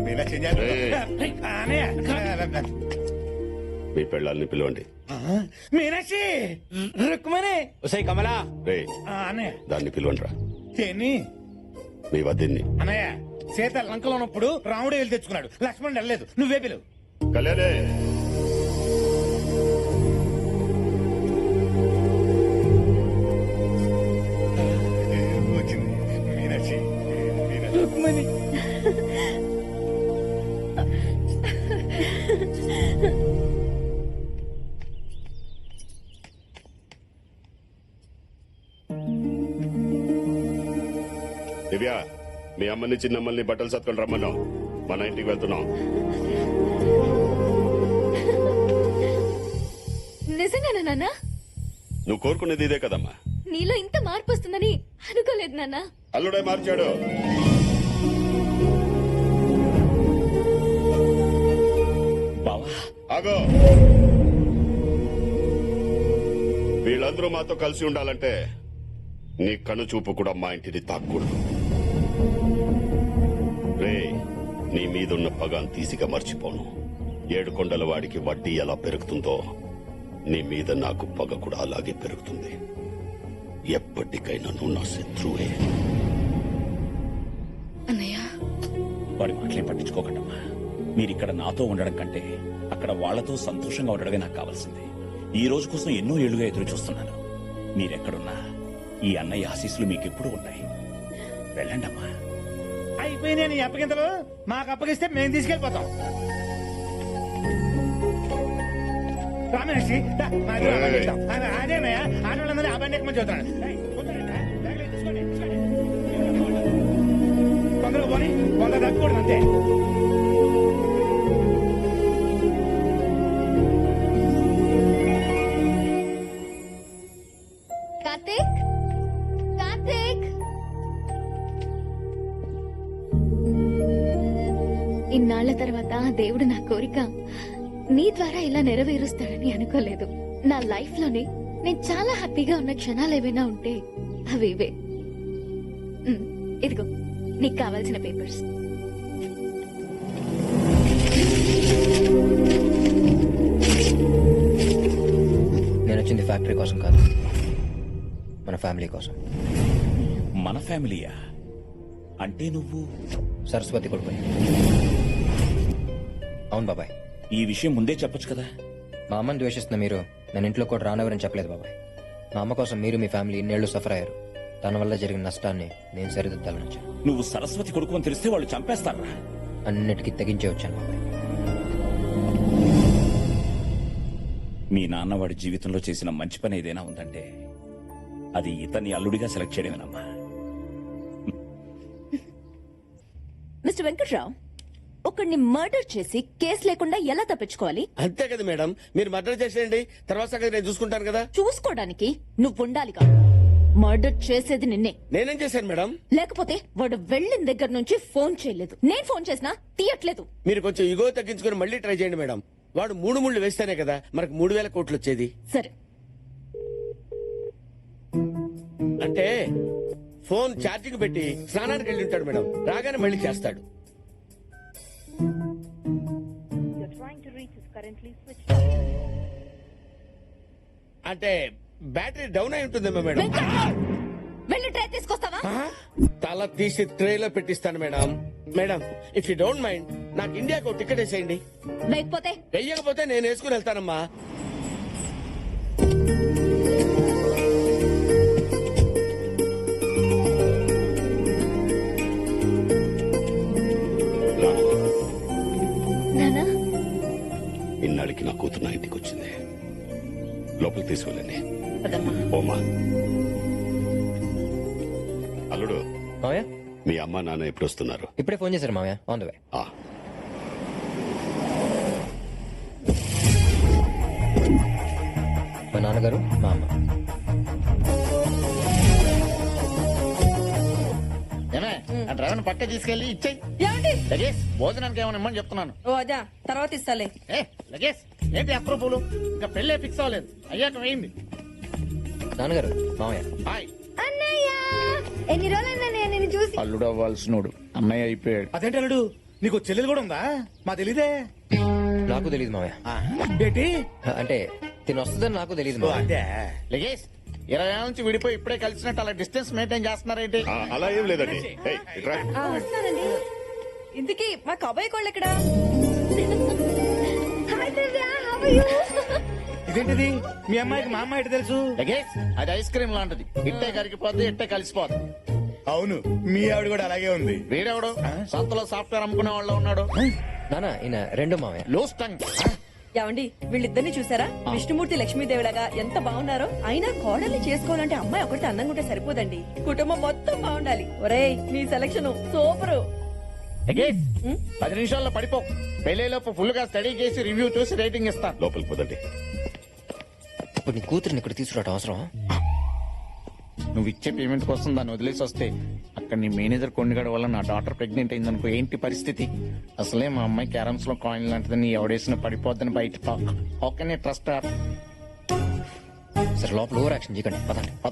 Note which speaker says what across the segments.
Speaker 1: మీ పెళ్ళాలని పిలవండి.
Speaker 2: మీనాక్షి రుక్మణి
Speaker 3: ఉసై కమలా
Speaker 1: రే
Speaker 2: అన్నయ్య
Speaker 1: దాన్ని పిలవండి రా.
Speaker 2: ఏంటి
Speaker 1: మీ వద్దిన్ని.
Speaker 2: అన్నయ్య సీత లంకలో ఉన్నప్పుడు రాముడు వెళ్ళి తెచ్చుకున్నాడు, లక్ష్మణుడు వెళ్ళలేదు, నువ్వే పిలువు.
Speaker 1: కళ్యాణే
Speaker 2: వచ్చింది మీనాక్షి. రుక్మణి
Speaker 1: దివ్య, మీ అమ్మని చిన్నమ్మల్ని బట్టలు సత్కొని రమ్మన్నాం. మన ఇంటికి వెళ్తున్నాం.
Speaker 4: నిజంగానా నాన్న?
Speaker 1: నువ్వు కోరుకునేది ఇదే కదమ్మా.
Speaker 4: నీలో ఇంత మార్పు వస్తుందని అనుకోలేదు నాన్న.
Speaker 1: అల్లుడే మార్చాడు.
Speaker 3: బావా
Speaker 1: ఆగో, వీళ్ళందరూ మాతో కలిసి ఉండాలంటే నీ కను చూపు కూడా మా ఇంటిని తాక్కూడదు. రే, నీ మీదున్న పగాన్ తీసిగా మర్చిపోను. 7 కొండల వాడికి వడ్డీ ఎలా పెరుగుతుందో నీ మీద నాకు పగ కూడా అలాగే పెరుగుతుంది. ఎప్పటికైనా నువ్వు నా శత్రువే.
Speaker 4: అన్నయ్య,
Speaker 3: వాడి మాటలేం పట్టించుకోకండమ్మా. మీరిక్కడ నాతో ఉండడం కంటే అక్కడ వాళ్లతో సంతోషంగా ఉండడమే నాకు కావాల్సింది. ఈ రోజు కోసం ఎన్నో ఏళ్లుగా ఎదురు చూస్తున్నాను. మీరెక్కడున్నా ఈ అన్నయ్య ఆశీస్సులు మీకెప్పుడు ఉన్నాయి. వెళ్ళండమ్మా.
Speaker 2: అయిపోయినాయి నీ అప్పగింతలు. మాకు అప్పగిస్తే మేము తీసుకెళ్లిపోతాం. రామేషి అదేనయ్యా, ఆడవాళ్ళందరూ ఆ బండి ఎక్కువ చూస్తున్నాడు. కొందరు పోనీ కొందరు తగ్గకూడదు అంతే.
Speaker 4: కార్తీక్, కార్తీక్, ఇన్నాళ్ల తర్వాత దేవుడు నా కోరిక నీ ద్వారా ఇలా నెరవేరుస్తాడని అనుకోలేదు. నా లైఫ్ లోనే నేను చాలా హ్యాపీగా ఉన్న క్షణాలు ఏవైనా ఉంటే అవి ఇవే. ఇదిగో నీకు కావాల్సిన పేపర్స్.
Speaker 5: నేను వచ్చింది ఫ్యాక్టరీ కోసం కాదు, మన ఫ్యామిలీ కోసం.
Speaker 3: మన ఫ్యామిలీయా? అంటే నువ్వు
Speaker 5: సరస్వతి కొడుకు. అవును బాబాయ్.
Speaker 3: ఈ విషయం ముందే చెప్పొచ్చు కదా.
Speaker 5: మా అమ్మని ద్వేషిస్తున్న మీరు నన్ను ఇంట్లో కూడా రానవరని చెప్పలేదు బాబాయ్. మా అమ్మ కోసం మీరు మీ ఫ్యామిలీ ఇన్నేళ్లు సఫర్ అయ్యారు. తన వల్ల జరిగిన నష్టాన్ని నేను సరిదిద్దాలని వచ్చాను.
Speaker 3: నువ్వు సరస్వతి కొడుకు అని తెలిస్తే వాళ్ళు చంపేస్తారా?
Speaker 5: అన్నిటికీ తెగించే వచ్చాను బాబాయ్.
Speaker 3: మీ నాన్న వాడి జీవితంలో చేసిన మంచి పని ఏదైనా ఉందంటే అది ఇతన్ని అల్లుడిగా సెలెక్ట్ చేయడమేనమ్మా.
Speaker 6: మిస్టర్ వెంకట్రావు, ఒకడిని మర్డర్ చేసి కేసు లేకుండా ఎలా తప్పించుకోవాలి?
Speaker 7: అంతే కదా మేడం, మీరు మర్డర్ చేసేయండి, తర్వాత సంగతి నేను చూసుకుంటాను కదా.
Speaker 6: చూసుకోవడానికి నువ్వు ఉండాలిగా. మర్డర్ చేసేది నిన్నే.
Speaker 7: నేనేం చేశాను మేడం?
Speaker 6: లేకపోతే వాడు వెళ్ళిన దగ్గర నుంచి ఫోన్ చేయలేదు. నేను ఫోన్ చేసినా తీయట్లేదు.
Speaker 7: మీరు కొంచెం ఇగో తగ్గించుకుని మళ్ళీ ట్రై చేయండి మేడం. వాడు 3 ముళ్ళు వేస్తేనే కదా మనకు 3000 కోట్లు వచ్చేది.
Speaker 6: సరే,
Speaker 7: అంటే ఫోన్ ఛార్జింగ్ పెట్టి స్నానానికి వెళ్ళి ఉంటాడు మేడం, రాగానే మళ్ళీ చేస్తాడు. అంటే బ్యాటరీ డౌన్ అయి ఉంటుందేమో మేడం.
Speaker 6: వెంకట్రావు, వెళ్ళి ట్రై తీసుకొస్తావా?
Speaker 7: తల తీసి ట్రేలో పెట్టిస్తాను madam. Madam, if you don't mind నాకు ఇండియాకు ఒక టికెట్ వేసేయండి.
Speaker 6: లేకపోతే
Speaker 7: వెయ్యకపోతే నేను వేసుకుని వెళ్తానమ్మా.
Speaker 4: నానా,
Speaker 1: ఇన్నాళ్ళకి నా కూతురు నా ఇంటికి వచ్చింది. లోపలికి తీసుకెళ్ళండి.
Speaker 6: పదమ్మా.
Speaker 1: ఓమా, అల్లుడు,
Speaker 5: మావయ్య
Speaker 1: మీ అమ్మ నాన్న ఎప్పుడు వస్తున్నారు?
Speaker 5: ఇప్పుడే ఫోన్ చేశారు మావయ్య, ఆన్ ద వే.
Speaker 1: ఆ,
Speaker 5: మా నాన్నగారు, మా అమ్మ.
Speaker 2: డ్రైవర్ పక్క తీసుకెళ్లి ఇచ్చేయి.
Speaker 6: ఏమండి?
Speaker 2: లగేజ్ భోజనానికి ఏమైనా ఇమ్మని చెప్తున్నాను.
Speaker 6: ఓ అదా, తర్వాత ఇస్తాలే.
Speaker 2: లగేజ్ ఏంటి అప్రూపులు? ఇంకా పెళ్ళే ఫిక్స్ అవ్వలేదు, అయ్యాక వేయింది.
Speaker 5: నాన్నగారు, మావయ్య.
Speaker 2: హాయ్
Speaker 4: అన్నయ్య, ఎన్ని రోజులైనా నేను చూసి.
Speaker 2: అల్లుడు అవ్వాల్సినోడు అన్నయ్య అయిపోయాడు.
Speaker 8: అదేంటి అల్లుడు
Speaker 2: నీకు చెల్లెలు కూడా ఉందా? మా తెలీదే.
Speaker 5: నాకు తెలియదు మావయ్య.
Speaker 2: ఏంటి?
Speaker 5: అంటే తిని వస్తుందని నాకు తెలియదు
Speaker 2: ఓ,
Speaker 5: మావయ్య.
Speaker 2: అదే.
Speaker 7: లగేష్ 20 ఏళ్ళ నుంచి విడిపోయి ఇప్పుడే కలిసినట్టు అలా డిస్టెన్స్ మెయింటైన్ చేస్తున్నారేంటి?
Speaker 1: అలా ఏం లేదండి. ఏయ్, ఇట్రా.
Speaker 6: వస్తానండి. ఇంతకీ మా కబాయి కోళ్ళు ఎక్కడా?
Speaker 2: ఇదేంటిది? మీ అమ్మాయికి మా అమ్మాయి ఎటు తెలుసు?
Speaker 7: లగేష్ అది ఐస్ క్రీమ్ లాంటిది, ఇట్టే కరిగిపోద్ది ఇట్టే కలిసిపోద్ది.
Speaker 2: అవును, మీ ఆవిడ కూడా అలాగే ఉంది.
Speaker 7: వీడెవడు సంతలో సాఫ్ట్వేర్ అమ్ముకునే వాళ్ళు ఉన్నాడు?
Speaker 5: నానా ఈయన రెండు మావయ్య.
Speaker 7: Loose tongue.
Speaker 6: ఏమండి వీళ్ళిద్దరిని చూసారా? విష్ణుమూర్తి లక్ష్మీదేవిలాగా ఎంత బాగున్నారో. అయినా కోడల్ని చేసుకోవాలంటే అమ్మాయి ఒకటి అందంగా ఉంటే సరిపోదండి, కుటుంబం మొత్తం బాగుండాలి. ఒరేయ్ నీ సెలక్షన్ సూపరు.
Speaker 7: లగేష్ 10 నిమిషాల్లో పడిపో. పెళ్లిలోపు ఫుల్ గా స్టడీ చేసి రివ్యూ చూసి రేటింగ్ ఇస్తా.
Speaker 1: లోపలికి పోదండి.
Speaker 5: ఇప్పుడు నీ కూతురిని ఇక్కడ తీసుకురావడం అవసరం?
Speaker 7: నువ్వు ఇచ్చే పేమెంట్ కోసం దాన్ని వదిలేసి వస్తే అక్కడ నీ మేనేజర్ కొండగడ వల్ల నా డాటర్ ప్రెగ్నెంట్ అయిందనుకో ఏంటి పరిస్థితి? అసలే మా అమ్మాయి క్యారమ్స్ లో కాయిన్ లాంటిది, నీ ఎవడేసిన పడిపోద్దని బయట talk. How can I trust her?
Speaker 5: సరే లోపల ఓవర్ యాక్షన్ చేయకండి, పదండి.
Speaker 7: పద.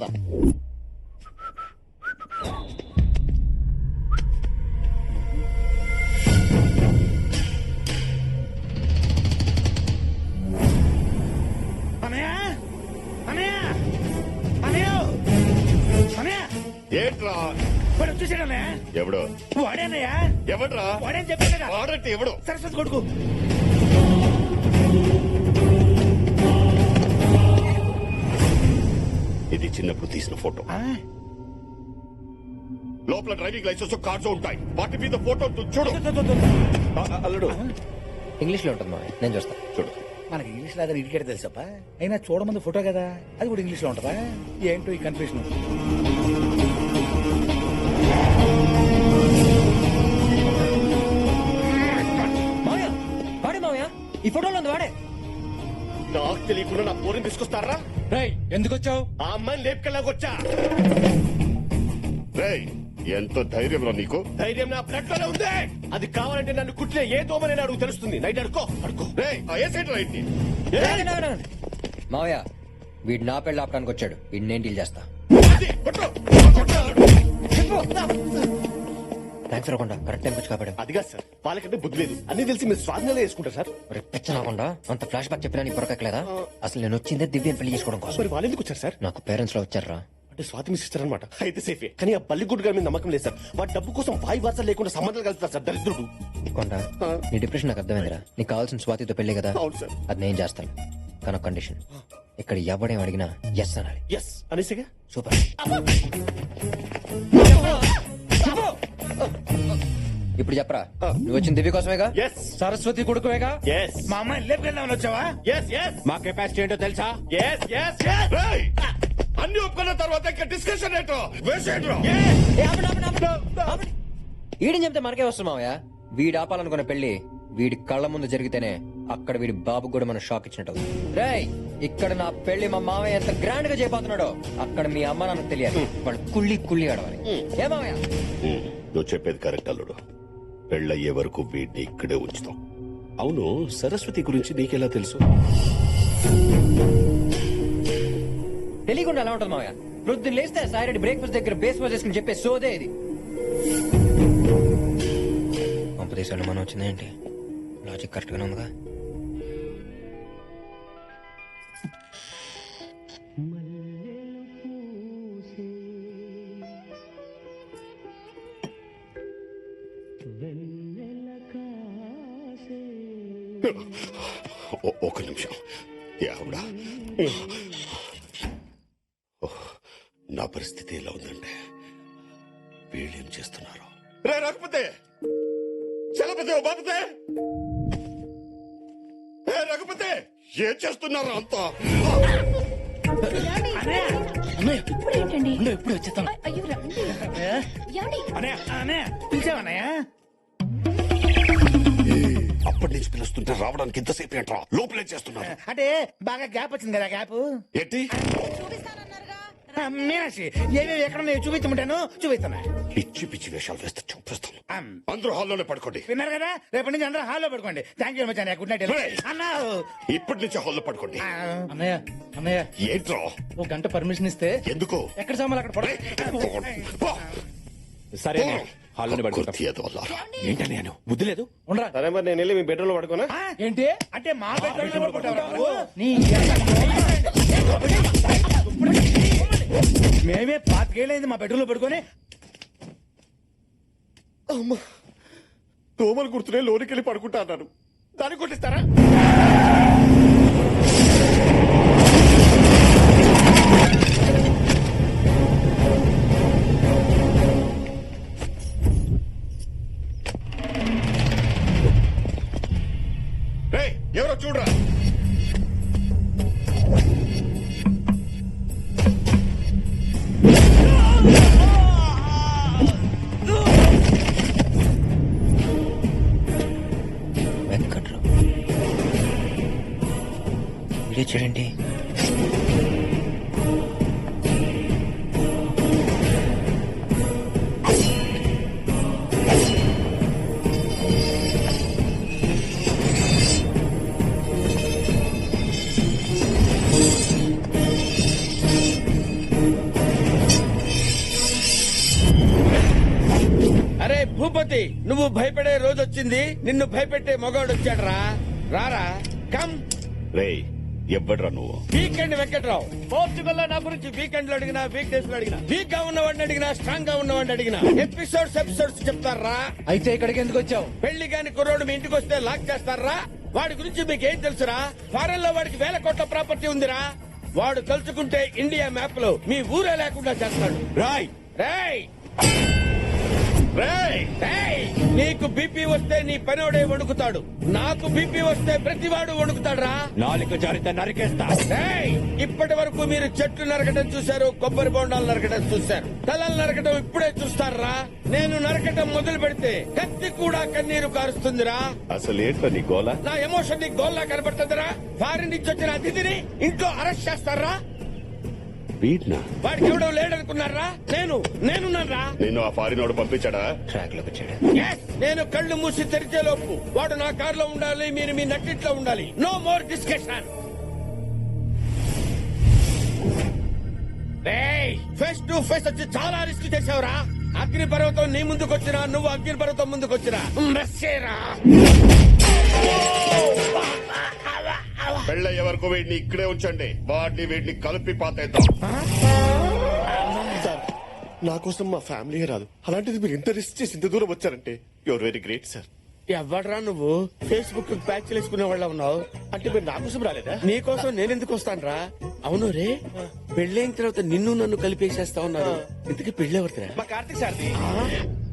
Speaker 2: అనయ్య, అనయ్య, అనయ్య, అనయ్య,
Speaker 1: ఏంట్రా?
Speaker 2: వాడు వచ్చేసాడు అన్నయ్య.
Speaker 1: ఎవడు?
Speaker 2: వాడేనయ్య.
Speaker 1: ఎవడ్రా?
Speaker 2: వాడేం చెప్పాడు కదా.
Speaker 1: వాడంటే ఎవడు?
Speaker 2: సరస్వతి కొడుకు.
Speaker 1: ఇది చిన్నప్పుడు తీసిన ఫోటో.
Speaker 2: ఆ,
Speaker 1: లోపల డ్రైవింగ్ లైసెన్స్ కార్డ్స్ ఉంటాయి, వాటి మీద ఫోటో చూడు. అల్లుడు
Speaker 5: ఇంగ్లీష్ లో ఉంటుంది మావయ్య, నేను చూస్తా.
Speaker 1: చూడు.
Speaker 2: మనకి ఇంగ్లీష్ లాగా ఇడికేట తెలుసప్ప. అయినా చూడమంది ఫోటో కదా, అది కూడా ఇంగ్లీష్ లో ఉంటదా? ఏంటో ఈ కన్ఫ్యూషన్.
Speaker 5: మావయ్య వాడే మావయ్య, ఈ ఫోటోలో ఉంది వాడే.
Speaker 1: నాకు తెలియకుండా నా పోరిని తీసుకొస్తారా?
Speaker 2: ఎందుకు వచ్చావు?
Speaker 1: ఆ అమ్మాయిని లేపుకెళ్ళాకొచ్చా. రేయ్, ఎంతో ధైర్యం రా నీకు.
Speaker 8: ధైర్యం నా బ్లడ్ లోనే ఉంది. అది కావాలంటే నన్ను కుట్టిన ఏ దోమని అడుగు తెలుస్తుంది. నైట్ అడుకో అడుకో.
Speaker 1: రేయ్, ఆ ఏ సైడ్ రైట్ ని?
Speaker 5: మావయ్య వీడు నా పెళ్లి ఆపడానికి వచ్చాడు, వీడిని నేను డీల్ చేస్తా.
Speaker 1: అది, కొట్టు.
Speaker 5: థ్యాంక్స్ రాకుండా కరెక్ట్ టైంకి వచ్చి కాపాడు.
Speaker 8: అదిగా సార్, వాళ్ళకంటే బుద్ధి లేదు. అన్ని తెలిసి మీరు స్వాధీనంలో వేసుకుంటారు సార్.
Speaker 5: రాకుండా అంత ఫ్లాష్ బ్యాక్ చెప్పినా నీకు పొరకెక్కలేదా? అసలు నేను వచ్చిందే దివ్యని పెళ్లి చేసుకోవడం కోసం.
Speaker 8: మరి వాళ్ళు ఎందుకు వచ్చారు సార్?
Speaker 5: నాకు పేరెంట్స్ లో వచ్చారా?
Speaker 8: అంటే స్వాతి మీ సిస్టర్ అనమాట. అయితే సేఫే. కానీ ఆ బల్లిగుడ్డు గారి మీద నమ్మకం లేదు సార్. వాడి డబ్బు కోసం వాయి వార్త లేకుండా సంబంధాలు కలుపుతారు సార్, దరిద్రుడు.
Speaker 5: కొండ నీ డిప్రెషన్ నాకు అర్థమైందిరా. నీకు కావాల్సిన స్వాతితో పెళ్లి కదా,
Speaker 8: అవును సార్.
Speaker 5: అది నేను చేస్తాను. కానీ కండిషన్, ఇక్కడ ఎవడేం అడిగినా ఎస్ అనాలి.
Speaker 8: ఎస్ అనేసిగా.
Speaker 5: సూపర్. ఇప్పుడు చెప్పరా, నువ్వు వచ్చిన దివ్య కోసమేగా?
Speaker 8: ఎస్
Speaker 2: సరస్వతి కొడుకువేగా?
Speaker 8: ఎస్
Speaker 2: మా అమ్మాయిని లేపుకెళ్దామని వచ్చావా?
Speaker 8: ఎస్ ఎస్
Speaker 2: మా కెపాసిటీ ఏంటో తెలుసా?
Speaker 8: Yes yes yes.
Speaker 1: రేయ్, అన్ని ఒప్పుకున్న తర్వాత ఇంకా డిస్కషన్ ఏంటో వేసేయండిరా.
Speaker 5: వీడిని చెప్తే మనకే వస్తుంది మావయ్య. వీడు ఆపాలనుకున్న పెళ్లి వీడి కళ్ళ ముందు జరిగితేనే అక్కడ వీడి బాబు కూడా మనం షాక్ ఇచ్చినట్టు. రేయ్, ఇక్కడ నా పెళ్లి మా మావయ్య ఎంత గ్రాండ్ గా చేయబోతున్నాడో అక్కడ మీ అమ్మ నాన్నకు తెలియాలి. వాళ్ళు కుళ్ళి కుళ్ళి ఆడవాలి. ఏ మావయ్య?
Speaker 1: నువ్వు చెప్పేది కరెక్ట్ అల్లుడు. పెళ్ళయ్యే వరకు వీడిని ఇక్కడే ఉంచుతాం. అవును, సరస్వతి గురించి నీకెలా తెలుసు?
Speaker 5: తెలియకుండా ఎలా ఉంటుంది మావయ్య? ప్రొద్దున లేస్తే సాయిరెడ్డి బ్రేక్ఫాస్ట్ దగ్గర బేస్ వాజ్ చేసుకుని చెప్పే సోదే ఇది. పంపదేశాలు మనం వచ్చిందేంటి? లాజిక్ కరెక్ట్ గానే ఉందిగా.
Speaker 1: ఒక నిమిషం. యావుడా, నా పరిస్థితి ఎలా ఉందంటే వీళ్ళేం చేస్తున్నారు? రే రఘుపతే, చలపతే, ఓ బాపతే, ఏ రఘుపతే, ఏం చేస్తున్నారు అంతా?
Speaker 6: ఇప్పుడు ఏంటండి?
Speaker 2: ఇప్పుడు వచ్చేస్తాను.
Speaker 6: అయ్యో రండి. ఏమండి?
Speaker 2: అనయ్య, అనయ్య, పిలిచావన్నయ్య?
Speaker 1: అప్పటి నుంచి పిలుస్తుంటే రావడానికి ఇంతసేపు ఏంట్రా? లోపలే చేస్తున్నారు.
Speaker 2: అంటే బాగా గ్యాప్ వచ్చింది కదా, గ్యాప్.
Speaker 1: ఏంటి?
Speaker 2: మీనాక్షి, ఏమేమి ఎక్కడ చూపించమంటాను, చూపిస్తున్నా.
Speaker 1: పిచ్చి పిచ్చి వేషాలు వేస్తే చూపిస్తాను. అందరూ హాల్లోనే పడుకోండి.
Speaker 2: విన్నారు కదా, రేపటి నుంచి అందరూ హాల్లో పడుకోండి. థ్యాంక్ యూ మచ్ అన్నయ్య. గుడ్ నైట్ అన్నా.
Speaker 1: ఇప్పటి నుంచి హాల్లో పడుకోండి.
Speaker 9: అన్నయ్య అన్నయ్య,
Speaker 1: ఏంట్రా?
Speaker 9: ఒక గంట పర్మిషన్ ఇస్తే
Speaker 1: ఎందుకు?
Speaker 9: ఎక్కడ సామాన్లు అక్కడ పడ.
Speaker 1: పో.
Speaker 9: సరే
Speaker 1: పో.
Speaker 3: హాల్లోనే పడుకుంటాం
Speaker 1: కుర్తి ఎదవల్లారా.
Speaker 3: ఏంటని నేను బుద్ధి లేదు
Speaker 2: ఉండరా
Speaker 8: సరే మరి నేను వెళ్ళి మీ బెడ్రూమ్ లో పడుకోనా?
Speaker 2: ఏంటి అంటే మా బెడ్రూమ్ మేమే పాతికేళ్ళైంది మా బెడ్రూమ్ లో పడుకొని
Speaker 8: అమ్మా దోమలు గుర్తునే లోనికి వెళ్ళి పడుకుంటా అన్నాను. దాన్ని కొట్టిస్తారా? రేయ్, ఎవరో చూడరా.
Speaker 5: వెంకట్రావు వీడియో చూడండి.
Speaker 9: అరే భూపతి, నువ్వు భయపడే రోజు వచ్చింది. నిన్ను భయపెట్టే మగవాడు వచ్చాడు రా. రారా, కమ్.
Speaker 1: రేయ్ ఎవ్వడ్రా నువ్వు?
Speaker 9: వీకెండ్ వెంకట్రావు. పోర్చుగల్ లో నా గురించి వీకెండ్ లో అడిగినా, వీక్ డేస్ లో అడిగినా, వీక్ గా ఉన్నవాడిని అడిగినా, స్ట్రాంగ్ గా ఉన్నవాడిని అడిగినా ఎపిసోడ్స్ చెప్తారా?
Speaker 2: అయితే ఇక్కడికి ఎందుకు వచ్చావు?
Speaker 9: పెళ్లి కాని కుర్రోడు మీ ఇంటికి వస్తే లాక్ చేస్తారా? వాడి గురించి మీకేం తెలుసురా? ఫారెన్ లో వాడికి 1000 కోట్ల ప్రాపర్టీ ఉందిరా. వాడు తలుచుకుంటే ఇండియా మ్యాప్ లో మీ ఊరే లేకుండా చేస్తాడు.
Speaker 1: రాయ్
Speaker 9: రేయ్
Speaker 1: రేయ్
Speaker 9: రేయ్, నీకు బీపీ వస్తే నీ పనోడే వణుకుతాడు. నాకు బీపీ వస్తే ప్రతివాడు వణుకుతాడురా.
Speaker 3: నాలుగు జారితే నరికేస్తా.
Speaker 9: రేయ్, ఇప్పటి వరకు మీరు చెట్లు నరకడం చూశారు, కొబ్బరి బొండాలు నరకడం చూశారు, తలలు నరకడం ఇప్పుడే చూస్తారా? నేను నరకడం మొదలు పెడితే కత్తి కూడా కన్నీరు కారుస్తుందిరా.
Speaker 1: అసలు ఏంట్రా నీ గోల?
Speaker 9: నా ఎమోషన్ నీ గోల్లా కనబడుతుందిరా. ఫారిన్ నుంచి వచ్చిన అతిథిని ఇంట్లో అరెస్ట్ చేస్తారా?
Speaker 1: వీడ్నా?
Speaker 9: వాడికి ఎవడో లేడనుకున్నారా? నేనున్నారా?
Speaker 1: నిన్ను ఆ ఫారినోడు పంపించాడా?
Speaker 5: ట్రాక్ లోకి వచ్చాడు.
Speaker 9: Yes, నేను కళ్ళు మూసి తెరిచే లోపు వాడు నా కారులో ఉండాలి, మీరు మీ నట్టిట్లో ఉండాలి. No more discussion. Face to face వచ్చి చాలా రిస్క్ చేసావురా. అగ్ని పర్వతం నీ ముందుకొచ్చినా, నువ్వు అగ్ని పర్వతం ముందుకొచ్చినా మెస్సేరా.
Speaker 1: పెళ్ళయ్యే వరకు వీడిని ఇక్కడే ఉంచండి. వీడిని కలిపి పాతేద్దాం.
Speaker 8: సార్ నా కోసం మా ఫ్యామిలీ రాదు, అలాంటిది మీరు ఇంత రిస్క్ చేసి ఇంత దూరం వచ్చారంటే యువర్ వెరీ గ్రేట్ సార్.
Speaker 9: ఎవడ్రా నువ్వు? ఫేస్బుక్ ప్యాచ్ వేసుకునే వాళ్ళ ఉన్నావు.
Speaker 8: అంటే మీరు నా కోసం రాలేదా?
Speaker 9: నీ కోసం నేనెందుకు వస్తానురా? అవును రే, పెళ్ళైన తర్వాత నిన్ను నన్ను కలిపేసేస్తా ఉన్నారు. ఇంతకీ పెళ్ళెవరిదిరా?
Speaker 2: మా కార్తీక్ సార్ది.